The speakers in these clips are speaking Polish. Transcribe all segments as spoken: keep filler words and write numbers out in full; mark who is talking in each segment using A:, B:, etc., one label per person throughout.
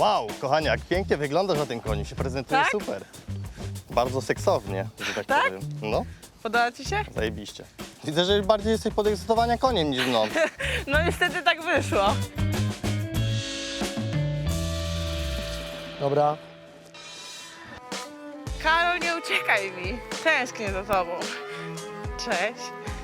A: Wow, kochanie, jak pięknie wyglądasz na tym koniu, się prezentuje
B: Tak?
A: super. Bardzo seksownie, że tak,
B: Tak?
A: powiem. No,
B: Podoba ci się?
A: zajebiście. Widzę, że bardziej jesteś podekscytowania koniem niż mną.
B: No niestety tak wyszło.
C: Dobra.
B: Karol, nie uciekaj mi. Tęsknię za tobą. Cześć.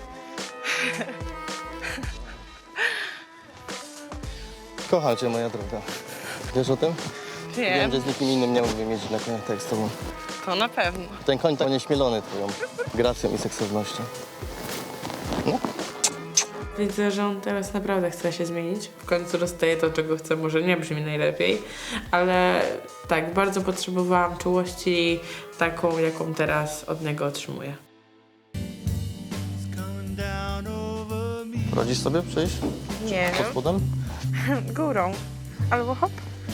A: Kocham cię, moja droga. Wiesz o tym? Wiem,
B: Wiem,
A: że z nikim innym nie mógłbym mieć na koniach tak z tobą.
B: to na pewno.
A: Ten koń tak nieśmielony twoją gracją i seksownością. No,
B: Widzę, że on teraz naprawdę chce się zmienić. W końcu dostaje to, czego chce. Może nie brzmi najlepiej, ale tak, bardzo potrzebowałam czułości taką, jaką teraz od niego otrzymuję.
A: radzisz sobie przejść
B: Nie
A: pod spodem?
B: wiem. Górą. Albo hop.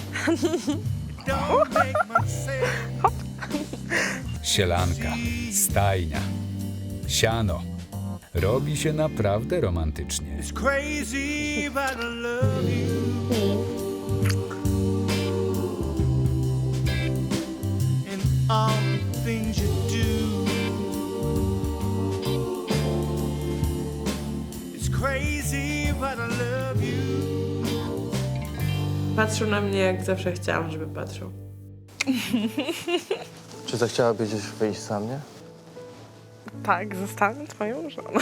D: Sielanka, stajnia, siano. Robi się naprawdę romantycznie.
E: It's crazy, but I love you. And all the things you do. It's crazy, but I love you.
B: Patrzył na mnie, jak zawsze chciałam, żeby patrzył.
A: Czy zechciałabyś gdzieś wyjść za mnie?
B: Tak, zostanę twoją żoną.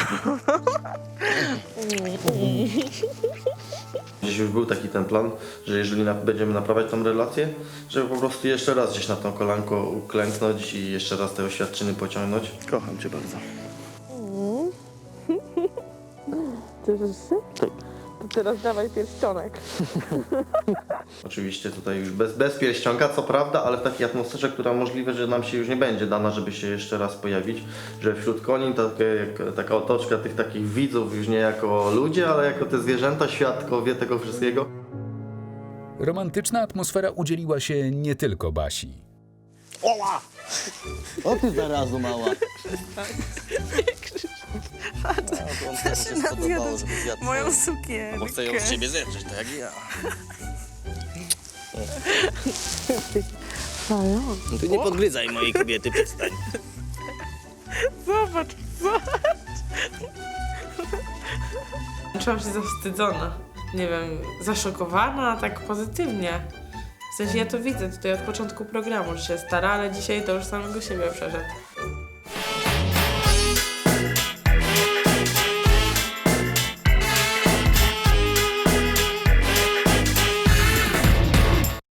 F: Gdzieś już był taki ten plan, że jeżeli na, będziemy naprawiać tą relację, żeby po prostu jeszcze raz gdzieś na tą kolanko uklęknąć i jeszcze raz te oświadczyny pociągnąć. Kocham cię bardzo.
B: Cieszysz się? Tak. To teraz dawaj pierścionek.
F: Oczywiście tutaj już bez, bez pierścionka, co prawda, ale w takiej atmosferze, która możliwe, że nam się już nie będzie dana, żeby się jeszcze raz pojawić, że wśród koni takie, jak, taka otoczka tych takich widzów już nie jako ludzie, ale jako te zwierzęta, świadkowie tego wszystkiego.
D: Romantyczna atmosfera udzieliła się nie tylko Basi.
A: Oła! O ty zarazu mała.
B: Moją sukienkę.
A: Bo chcę ją z ciebie zedrzeć, tak jak ja. No ty nie podgryzaj mojej kobiety, przestań.
B: Zobacz, zobacz. Czułam się zawstydzona. Nie wiem, zaszokowana, tak pozytywnie. W sensie ja to widzę tutaj od początku programu, że się stara, ale dzisiaj to już samego siebie przeszedł.